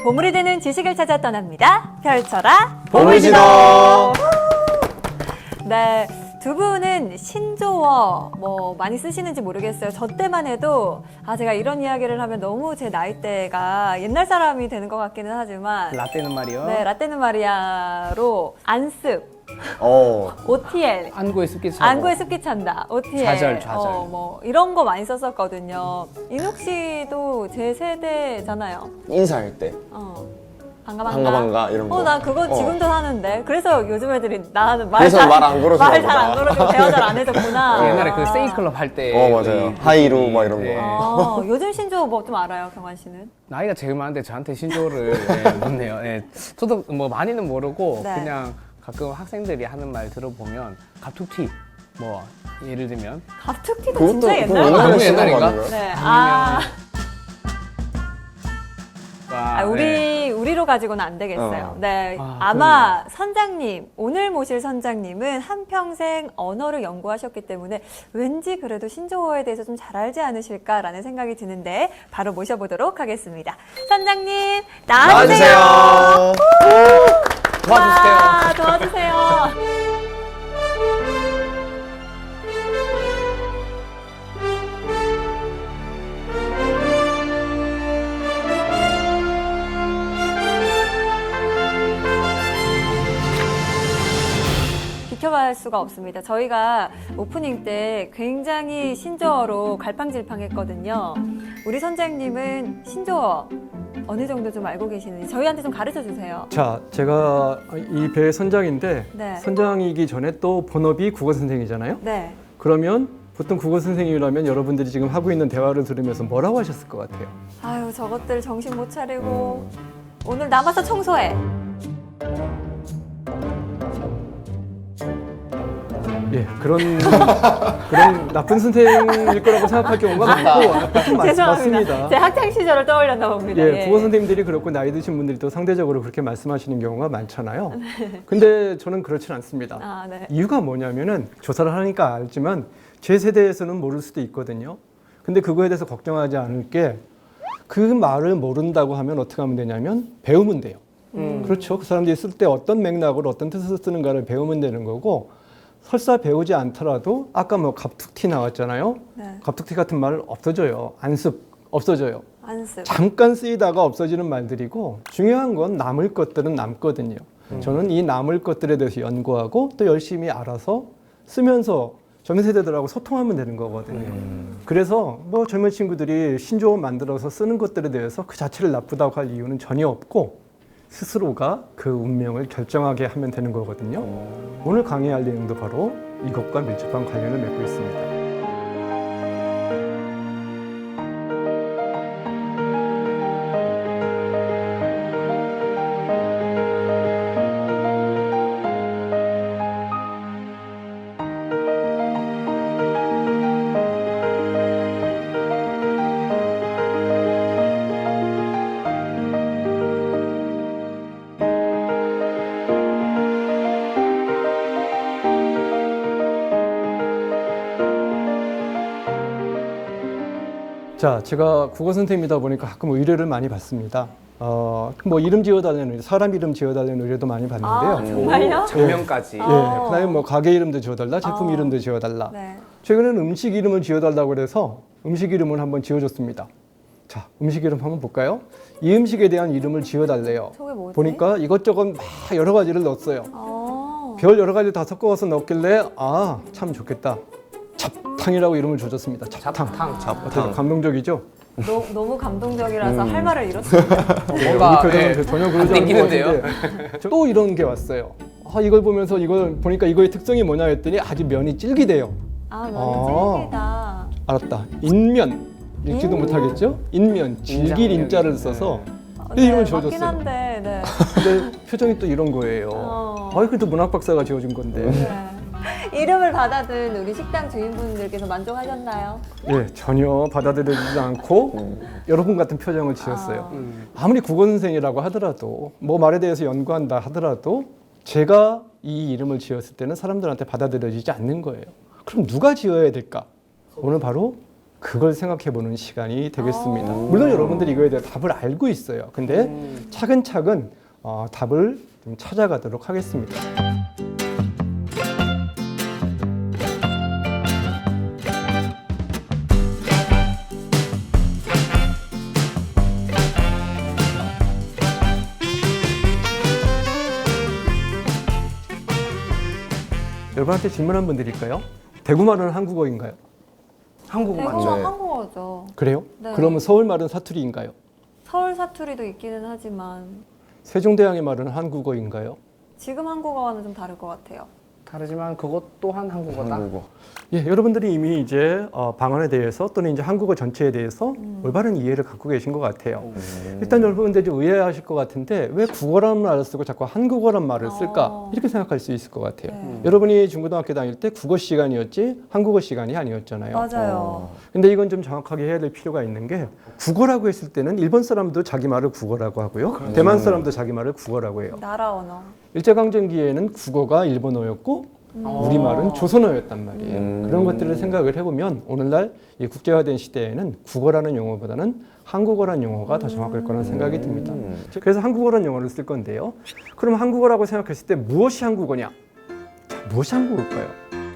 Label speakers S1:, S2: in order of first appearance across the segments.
S1: 보물이 되는 지식을 찾아 떠납니다. 펼쳐라
S2: 보물지도.
S1: 네, 두 분은 신조어 뭐 많이 쓰시는지 모르겠어요. 저 때만 해도 제가 이런 이야기를 하면 너무 제 나이대가 옛날 사람이 되는 것 같기는 하지만
S3: 라떼는 말이요.
S1: 네, 라떼는 마리아로 안습,
S2: 어.
S1: OTL,
S3: 안구에 습기 차고.
S1: 안구에 습기 찬다, OTL,
S3: 좌절.
S1: 뭐 이런 거 많이 썼었거든요. 인욱 씨도 제 세대잖아요.
S2: 인사할 때
S1: 반가
S2: 이런 거.
S1: 나 그거 지금도 하는데. 그래서 요즘 애들이 나는
S2: 그래서 말안 걸어주나
S1: 말 잘 안
S2: 보다.
S1: 걸어주고 대화 잘 안 해줬구나.
S3: 옛날에 그 세이클럽 할 때.
S2: 맞아요. 하이루 막 이런 거.
S3: 네.
S1: 요즘 신조어 뭐 좀 알아요, 경환 씨는?
S3: 나이가 제일 많은데 저한테 신조어를 묻네요. 예. 저도 뭐 많이는 모르고
S1: 네.
S3: 그냥 가끔 학생들이 하는 말 들어보면 갑툭튀 뭐 예를 들면
S1: 갑툭튀도 진짜 옛날
S2: 그거
S1: 거
S3: 너무
S2: 옛날에 쓰는 거
S3: 옛날인가?
S2: 아닌가요?
S1: 네.
S3: 네.
S1: 우리로 가지고는 안 되겠어요. 네.
S3: 아,
S1: 아마 선장님, 오늘 모실 선장님은 한평생 언어를 연구하셨기 때문에 왠지 그래도 신조어에 대해서 좀 잘 알지 않으실까라는 생각이 드는데 바로 모셔보도록 하겠습니다. 선장님, 나와주세요.
S3: 도와주세요.
S1: 와, 도와주세요. 비켜볼 수가 없습니다. 저희가 오프닝 때 굉장히 신조어로 갈팡질팡했거든요. 우리 선장님은 신조어 어느 정도 좀 알고 계시는지 저희한테 좀 가르쳐 주세요.
S4: 자, 제가 이 배의 선장인데
S1: 네.
S4: 선장이기 전에 또 본업이 국어 선생이잖아요.
S1: 네.
S4: 그러면 보통 국어 선생님이라면 여러분들이 지금 하고 있는 대화를 들으면서 뭐라고 하셨을 것 같아요?
S1: 아유, 저것들 정신 못 차리고 오늘 남아서 청소해.
S4: 예, 그런 나쁜 선생일 거라고 생각할 경우가 많고
S1: 죄송합니다.
S4: 맞습니다.
S1: 제 학창 시절을 떠올렸나 봅니다.
S4: 예, 국어 선생님들이 그렇고 나이 드신 분들이 또 상대적으로 그렇게 말씀하시는 경우가 많잖아요. 근데 저는 그렇진 않습니다.
S1: 네.
S4: 이유가 뭐냐면은 조사를 하니까 알지만 제 세대에서는 모를 수도 있거든요. 근데 그거에 대해서 걱정하지 않을 게 그 말을 모른다고 하면 어떻게 하면 되냐면 배우면 돼요. 그렇죠. 그 사람들이 쓸 때 어떤 맥락으로 어떤 뜻을 쓰는가를 배우면 되는 거고 설사 배우지 않더라도 아까 뭐 갑툭튀 나왔잖아요.
S1: 네.
S4: 갑툭튀 같은 말 없어져요. 안습 없어져요.
S1: 안습.
S4: 잠깐 쓰이다가 없어지는 말들이고 중요한 건 남을 것들은 남거든요. 저는 이 남을 것들에 대해서 연구하고 또 열심히 알아서 쓰면서 젊은 세대들하고 소통하면 되는 거거든요. 그래서 뭐 젊은 친구들이 신조어 만들어서 쓰는 것들에 대해서 그 자체를 나쁘다고 할 이유는 전혀 없고 스스로가 그 운명을 결정하게 하면 되는 거거든요. 오늘 강의할 내용도 바로 이것과 밀접한 관련을 맺고 있습니다. 자, 제가 국어 선생님이다 보니까 가끔 의뢰를 많이 받습니다. 뭐 이름 지어달라는 의뢰, 사람 이름 지어달라는 의뢰도 많이 받는데요.
S1: 정말요?
S3: 장면까지.
S4: 예, 그다음에 뭐 가게 이름도 지어달라, 제품 이름도 지어달라.
S1: 네.
S4: 최근에는 음식 이름을 지어달라고 그래서 음식 이름을 한번 지어줬습니다. 자, 음식 이름 한번 볼까요? 이 음식에 대한 이름을 지어달래요.
S1: 저게 뭐지?
S4: 보니까 이것저것 막 여러 가지를 넣었어요. 별 여러 가지를 다 섞어서 넣었길래 참 좋겠다. 잡탕이라고 이름을 줘줬습니다. 잡탕. 어때요? 감동적이죠?
S1: 너무 감동적이라서 할 말을 잃었습니다.
S3: 뭔가
S4: 우리 표정은 전혀 그러지 않은 것
S3: 땡기는데요.
S4: 같은데 또 이런 게 왔어요. 이걸 보면서 이걸 보니까 이거의 특성이 뭐냐 했더니 아주 면이 질기대요.
S1: 면이 찔기다.
S4: 알았다. 인면 읽지도 못하겠죠? 인면 질길 인자를 써서 이 이름을
S1: 맞긴
S4: 지어줬어요.
S1: 한데, 네.
S4: 근데 표정이 또 이런 거예요. 그래도 문학 박사가 지어준 건데.
S1: 네. 이름을 받아든 우리 식당 주인분들께서 만족하셨나요?
S4: 예, 전혀 받아들여지지 않고 여러분 같은 표정을 지었어요. 아무리 국어 선생이라고 하더라도 뭐 말에 대해서 연구한다 하더라도 제가 이 이름을 지었을 때는 사람들한테 받아들여지지 않는 거예요. 그럼 누가 지어야 될까? 오늘 바로 그걸 생각해보는 시간이 되겠습니다. 물론 여러분들이 이거에 대해 답을 알고 있어요. 근데 차근차근 답을 좀 찾아가도록 하겠습니다. 여러분한테 질문 한번 드릴까요? 대구말은 한국어인가요?
S3: 한국 맞죠?
S1: 대구가
S2: 네.
S1: 한국어죠.
S4: 그래요?
S1: 네.
S4: 그러면 서울말은 사투리인가요?
S1: 서울 사투리도 있기는 하지만
S4: 세종대왕의 말은 한국어인가요?
S1: 지금 한국어와는 좀 다를 것 같아요.
S3: 다르지만 그것 또한 한국어다.
S2: 한국어.
S4: 예, 여러분들이 이미 이제 방언에 대해서 또는 이제 한국어 전체에 대해서 올바른 이해를 갖고 계신 것 같아요. 일단 여러분들이 좀 의아하실 것 같은데 왜 국어라는 말을 쓰고 자꾸 한국어란 말을 쓸까? 이렇게 생각할 수 있을 것 같아요.
S1: 네.
S4: 여러분이 중고등학교 다닐 때 국어 시간이었지 한국어 시간이 아니었잖아요.
S1: 맞아요.
S4: 근데 이건 좀 정확하게 해야 될 필요가 있는 게 국어라고 했을 때는 일본 사람도 자기 말을 국어라고 하고요. 대만 사람도 자기 말을 국어라고 해요.
S1: 나라 언어.
S4: 일제강점기에는 국어가 일본어였고 우리말은 조선어였단 말이에요. 그런 것들을 생각을 해보면 오늘날 이 국제화된 시대에는 국어라는 용어보다는 한국어라는 용어가 더 정확할 거라는 생각이 듭니다. 그래서 한국어라는 용어를 쓸 건데요. 그럼 한국어라고 생각했을 때 무엇이 한국어냐? 자, 무엇이 한국어일까요?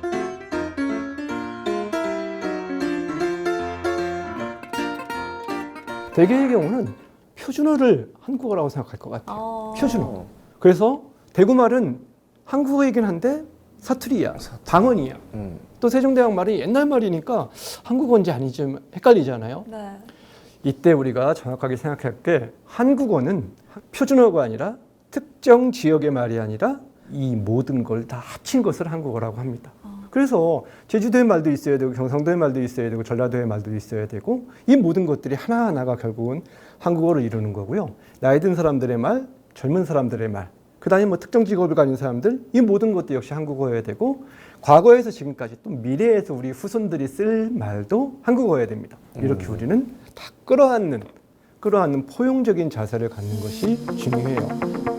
S4: 대개의 경우는 표준어를 한국어라고 생각할 것 같아요. 표준어. 그래서 대구말은 한국어이긴 한데 사투리야, 방언이야. 또 세종대왕 말이 옛날 말이니까 한국어인지 아닌지 헷갈리잖아요.
S1: 네.
S4: 이때 우리가 정확하게 생각할 게 한국어는 표준어가 아니라 특정 지역의 말이 아니라 이 모든 걸 다 합친 것을 한국어라고 합니다. 그래서 제주도의 말도 있어야 되고 경상도의 말도 있어야 되고 전라도의 말도 있어야 되고 이 모든 것들이 하나하나가 결국은 한국어를 이루는 거고요. 나이 든 사람들의 말, 젊은 사람들의 말, 그다음에 뭐 특정 직업을 가진 사람들 이 모든 것도 역시 한국어여야 되고 과거에서 지금까지 또 미래에서 우리 후손들이 쓸 말도 한국어여야 됩니다. 이렇게 우리는 다 끌어안는 포용적인 자세를 갖는 것이 중요해요.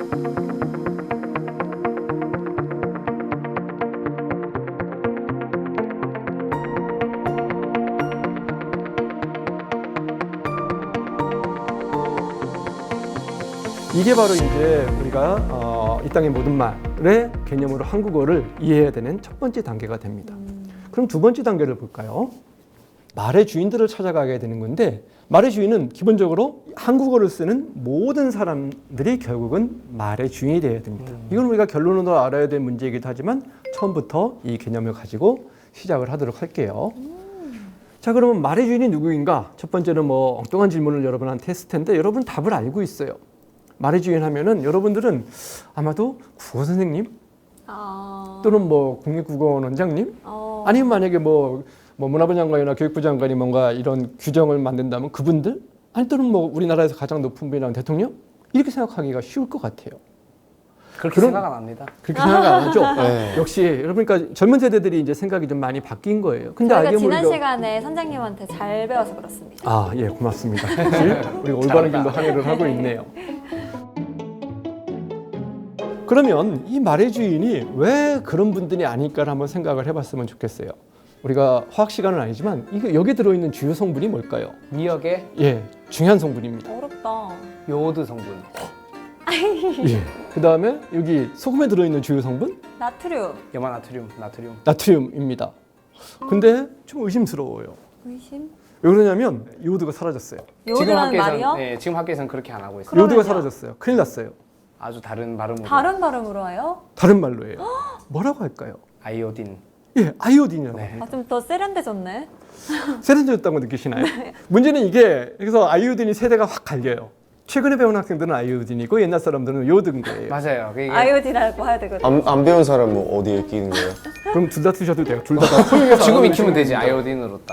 S4: 이게 바로 이제 우리가 이 땅의 모든 말의 개념으로 한국어를 이해해야 되는 첫 번째 단계가 됩니다. 그럼 두 번째 단계를 볼까요? 말의 주인들을 찾아가게 되는 건데 말의 주인은 기본적으로 한국어를 쓰는 모든 사람들이 결국은 말의 주인이 되어야 됩니다. 이건 우리가 결론으로 알아야 될 문제이기도 하지만 처음부터 이 개념을 가지고 시작을 하도록 할게요. 자, 그러면 말의 주인이 누구인가? 첫 번째는 뭐 엉뚱한 질문을 여러분한테 했을 텐데 여러분 답을 알고 있어요. 말의 주인 하면은 여러분들은 아마도 국어 선생님 또는 뭐 국립국어원 원장님 아니면 만약에 뭐 문화부 장관이나 교육부 장관이 뭔가 이런 규정을 만든다면 그분들 아니 또는 뭐 우리나라에서 가장 높은 분이라는 대통령 이렇게 생각하기가 쉬울 것 같아요.
S3: 그렇게
S4: 그럼-
S3: 생각 안 합니다.
S4: 그렇게 생각 안 하죠?
S2: 네.
S4: 역시 여러분 그러니까 젊은 세대들이 이제 생각이 좀 많이 바뀐 거예요. 근데
S1: 저희가
S4: 알게
S1: 지난
S4: 모르게
S1: 시간에 선장님한테 잘 배워서 그렇습니다.
S4: 아, 예, 고맙습니다. 역시 우리가 올바른 길로 항해를 하고 있네요. 그러면 이 말의 주인이 왜 그런 분들이 아닐까를 한번 생각을 해봤으면 좋겠어요. 우리가 화학 시간은 아니지만 이게 여기 들어있는 주요 성분이 뭘까요?
S3: 미역의
S4: 예, 중요한 성분입니다.
S1: 어렵다.
S3: 요오드 성분.
S4: 예. 그 다음에 여기 소금에 들어있는 주요 성분
S1: 나트륨.
S3: 염화나트륨,
S4: 나트륨입니다. 근데 좀 의심스러워요.
S1: 의심?
S4: 왜 그러냐면 요오드가 사라졌어요.
S1: 요오드라는 말이요?
S3: 네, 지금 학교에서는 그렇게 안 하고 있어요.
S1: 그러면요?
S4: 요오드가 사라졌어요. 큰일 났어요.
S3: 아주 다른 발음으로.
S1: 다른 발음으로 해요?
S4: 다른 말로 해요. 뭐라고 할까요?
S3: 아이오딘.
S4: 예, 아이오딘이라고
S3: 네.
S4: 합니다.
S1: 아, 좀 더 세련돼졌네.
S4: 세련되었다고 느끼시나요? 문제는 이게 그래서 아이오딘이 세대가 확 갈려요. 최근에 배운 학생들은 아이오딘이고 옛날 사람들은 요오드인 거예요.
S3: 맞아요. 그게
S1: 아이오디라고 해야 되거든요.
S2: 안 배운 사람은 어디에 끼는 거예요?
S4: 그럼 둘 다 쓰셔도 돼요. 둘 다 포용해서
S3: 지금
S4: 알아두시면
S3: 익히면 되지.
S4: 됩니다.
S3: 아이오딘으로 딱.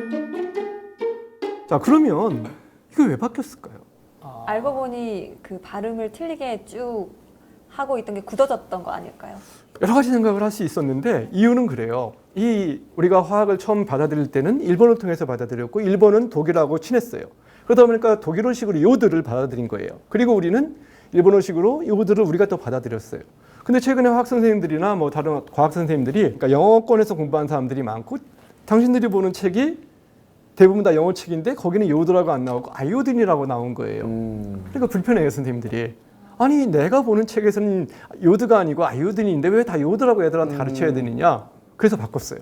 S4: 자, 그러면 이거 왜 바뀌었을까요?
S1: 알고 보니 그 발음을 틀리게 쭉 하고 있던 게 굳어졌던 거 아닐까요?
S4: 여러 가지 생각을 할 수 있었는데 이유는 그래요. 우리가 화학을 처음 받아들일 때는 일본을 통해서 받아들였고 일본은 독일하고 친했어요. 그러다 보니까 독일어식으로 요오드를 받아들인 거예요. 그리고 우리는 일본어식으로 요오드를 우리가 또 받아들였어요. 근데 최근에 화학 선생님들이나 뭐 다른 과학 선생님들이 그러니까 영어권에서 공부한 사람들이 많고 당신들이 보는 책이 대부분 다 영어 책인데 거기는 요드라고 안 나오고 아이오딘이라고 나온 거예요. 그러니까 불편해요, 선생님들이. 아니 내가 보는 책에서는 요드가 아니고 아이오딘인데 왜 다 요드라고 애들한테 가르쳐야 되느냐. 그래서 바꿨어요.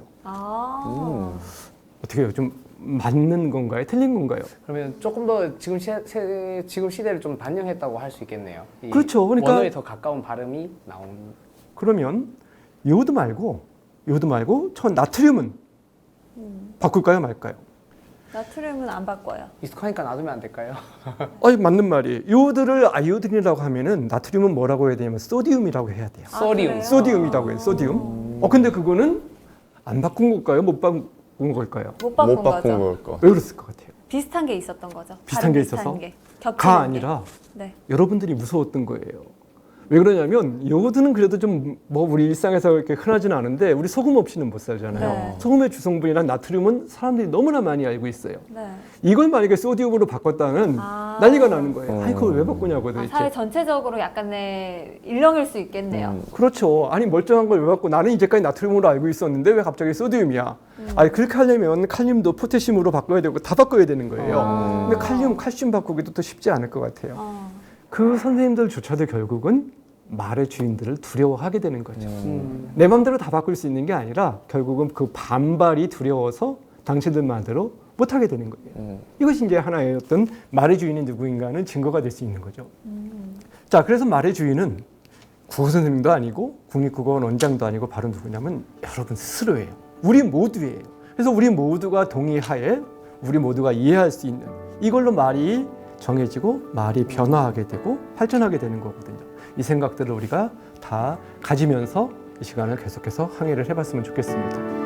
S4: 어떻게 해요? 좀 맞는 건가요? 틀린 건가요?
S3: 그러면 조금 더 지금 지금 시대를 좀 반영했다고 할 수 있겠네요. 이
S4: 그렇죠. 그러니까
S3: 원어에 더 가까운 발음이 나온.
S4: 그러면 요드 말고 저 나트륨은 바꿀까요, 말까요?
S1: 나트륨은 안 바꿔요.
S3: 익숙하니까 놔두면 안 될까요?
S4: 아니 맞는 말이에요. 요드를 아이오딘이라고 하면은 나트륨은 뭐라고 해야 되냐면 소디움이라고 해야 돼요.
S3: 소디움.
S1: 그래요?
S4: 소디움이라고 해요. 소디움. 근데 그거는 안 바꾼 걸까요? 못 바꾼 걸까요?
S1: 못 바꾼
S2: 못 바꾼
S1: 거죠.
S2: 걸까?
S4: 왜 그랬을 것 같아요?
S1: 비슷한 게 있었던 거죠.
S4: 비슷한
S1: 발음
S4: 게
S1: 비슷한
S4: 있어서?
S1: 게. 겹치는
S4: 가
S1: 게.
S4: 아니라
S1: 네.
S4: 여러분들이 무서웠던 거예요. 왜 그러냐면 요거드는 그래도 좀 뭐 우리 일상에서 이렇게 흔하지는 않은데 우리 소금 없이는 못 살잖아요.
S1: 네.
S4: 소금의 주성분이란 나트륨은 사람들이 너무나 많이 알고 있어요.
S1: 네.
S4: 이걸 만약에 소디움으로 바꿨다면 난리가 나는 거예요. 아니 그걸 왜 바꾸냐고
S1: 아,
S4: 도대체.
S1: 사회 전체적으로 약간의 일렁일 수 있겠네요.
S4: 그렇죠. 아니 멀쩡한 걸 왜 바꾸고 나는 이제까지 나트륨으로 알고 있었는데 왜 갑자기 소디움이야. 아니 그렇게 하려면 칼륨도 포태슘으로 바꿔야 되고 다 바꿔야 되는 거예요. 근데 칼슘 바꾸기도 또 쉽지 않을 것 같아요. 그 선생님들조차도 결국은 말의 주인들을 두려워하게 되는 거죠. 내 마음대로 다 바꿀 수 있는 게 아니라 결국은 그 반발이 두려워서 당신들 말대로 못하게 되는 거예요. 이것이 이제 하나의 어떤 말의 주인이 누구인가는 증거가 될 수 있는 거죠. 자, 그래서 말의 주인은 국어 선생님도 아니고 국립국어원 원장도 아니고 바로 누구냐면 여러분 스스로예요. 우리 모두예요. 그래서 우리 모두가 동의하에 우리 모두가 이해할 수 있는 이걸로 말이 정해지고 말이 변화하게 되고 발전하게 되는 거거든요. 이 생각들을 우리가 다 가지면서 이 시간을 계속해서 항해를 해봤으면 좋겠습니다.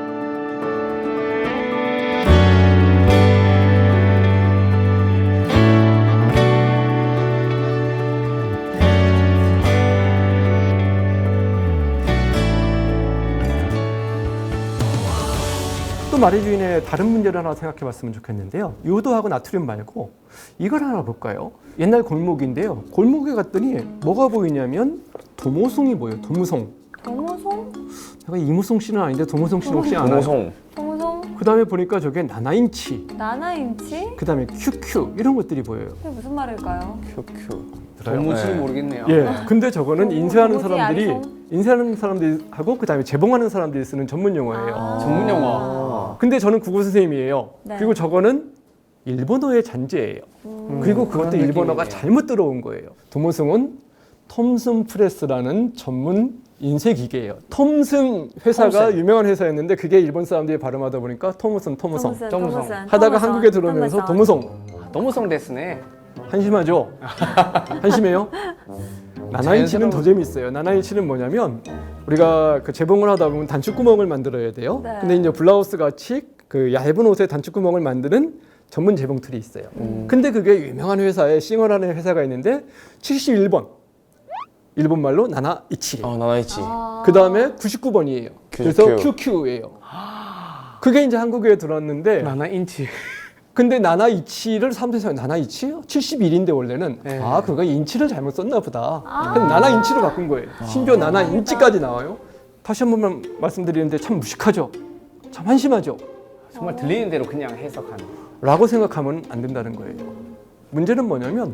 S4: 또 말의 주인의 다른 문제를 하나 생각해 봤으면 좋겠는데요. 요도하고 나트륨 말고 이걸 하나 볼까요? 옛날 골목인데요. 골목에 갔더니 뭐가 보이냐면 도모송이 보여요. 도무송.
S1: 도무송?
S4: 제가 이무송 씨는 아닌데 도무송 씨는 혹시 아나요?
S2: 동성.
S1: 도무송?
S4: 그 다음에 보니까 저게 나나인치,
S1: 나나인치?
S4: 그 다음에 QQ 이런 것들이 보여요.
S1: 그게 무슨 말일까요?
S2: 큐큐.
S3: 도무지
S2: 네.
S3: 모르겠네요.
S4: 예. 근데 저거는 인쇄하는
S1: 도무지
S4: 사람들이
S1: 아리송?
S4: 인쇄하는 사람들하고 그 다음에 재봉하는 사람들이 쓰는 전문 용어예요.
S3: 전문 용어.
S4: 근데 저는 국어 선생님이에요.
S1: 네.
S4: 그리고 저거는 일본어의 잔재예요. 그리고 그것도
S3: 그런
S4: 일본어가
S3: 느낌이네요.
S4: 잘못 들어온 거예요. 도모송은 톰슨 프레스라는 전문 인쇄 기계예요. 톰슨 회사가
S3: 톰슨.
S4: 유명한 회사였는데 그게 일본 사람들이 발음하다 보니까 토무송
S1: 도무송.
S4: 하다가 한국에 들어오면서 도무송
S3: 도무송 데스네.
S4: 한심하죠? 한심해요? 나나이치는 더 재밌어요. 나나이치는 뭐냐면 우리가 그 재봉을 하다 보면 단추구멍을 만들어야 돼요.
S1: 네.
S4: 근데 이제 블라우스 같이 그 얇은 옷에 단추구멍을 만드는 전문 재봉 툴이 있어요. 근데 그게 유명한 회사에 싱어라는 회사가 있는데 71번 일본 말로 나나이치.
S2: 나나이치.
S4: 그 다음에 99번이에요. 그래서
S2: 큐.
S4: QQ예요. 그게 이제 한국에 들어왔는데
S3: 나나 인치.
S4: 근데 나나이치를 사람들이 생각해 나나이치요? 71인데 원래는
S3: 네.
S4: 아 그거 인치를 잘못 썼나 보다. 그래서 나나인치로 바꾼 거예요. 심지어 나나인치까지 나와요. 다시 한 번만 말씀드리는데 참 무식하죠. 참 한심하죠.
S3: 정말 들리는 대로 그냥 해석하는.
S4: 라고 생각하면 안 된다는 거예요. 문제는 뭐냐면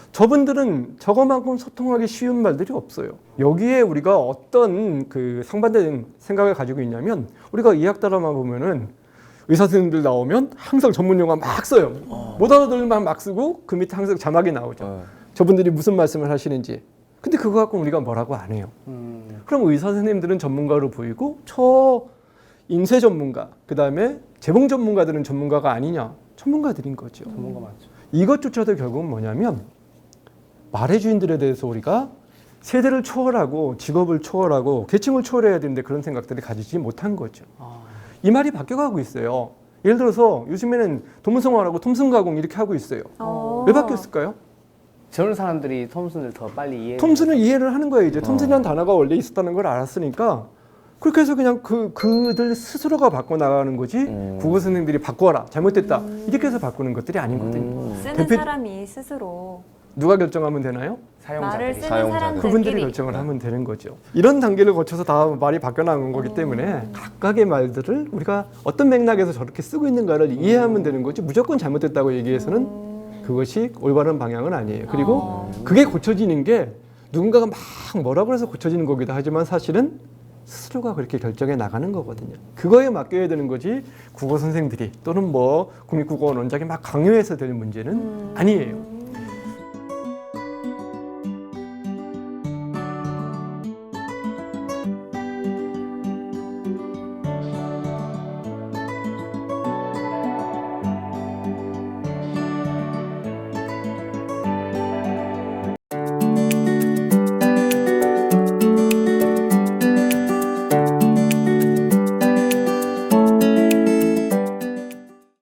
S4: 저분들은 저거만큼 소통하기 쉬운 말들이 없어요. 여기에 우리가 어떤 그 상반된 생각을 가지고 있냐면 우리가 의학 드라마 보면은 의사 선생님들 나오면 항상 전문 용어 막 써요. 못 알아들만 막 쓰고 그 밑에 항상 자막이 나오죠. 저분들이 무슨 말씀을 하시는지. 근데 그거 갖고 우리가 뭐라고 안 해요. 그럼 의사 선생님들은 전문가로 보이고 저 인쇄 전문가, 그 다음에 재봉 전문가들은 전문가가 아니냐? 전문가들인 거죠.
S3: 전문가 맞죠.
S4: 이것조차도 결국은 뭐냐면 말의 주인들에 대해서 우리가 세대를 초월하고 직업을 초월하고 계층을 초월해야 되는데 그런 생각들을 가지지 못한 거죠. 이 말이 바뀌어가고 있어요. 예를 들어서 요즘에는 도문성화라고 톰슨가공 이렇게 하고 있어요. 왜 바뀌었을까요?
S3: 저런 사람들이 톰슨을 더 빨리 이해.
S4: 톰슨은 이해를 하는 거예요. 이제 톰슨이라는 단어가 원래 있었다는 걸 알았으니까 그렇게 해서 그냥 그들 스스로가 바꿔 나가는 거지 국어 선생님들이 바꿔라 잘못됐다 이렇게 해서 바꾸는 것들이 아니거든요.
S1: 쓰는
S4: 대표-
S1: 사람이 스스로
S4: 누가 결정하면 되나요?
S1: 말을
S3: 사용자들이.
S1: 쓰는
S2: 사용자들.
S1: 사람들끼리.
S4: 그분들이 결정을 하면 되는 거죠. 이런 단계를 거쳐서 다 말이 바뀌어나간 거기 때문에 각각의 말들을 우리가 어떤 맥락에서 저렇게 쓰고 있는가를 이해하면 되는 거지 무조건 잘못됐다고 얘기해서는 그것이 올바른 방향은 아니에요. 그리고 그게 고쳐지는 게 누군가가 막 뭐라고 해서 고쳐지는 거기도 하지만 사실은 스스로가 그렇게 결정해 나가는 거거든요. 그거에 맡겨야 되는 거지 국어 선생들이 또는 뭐 국립국어원 원장이 막 강요해서 될 문제는 아니에요.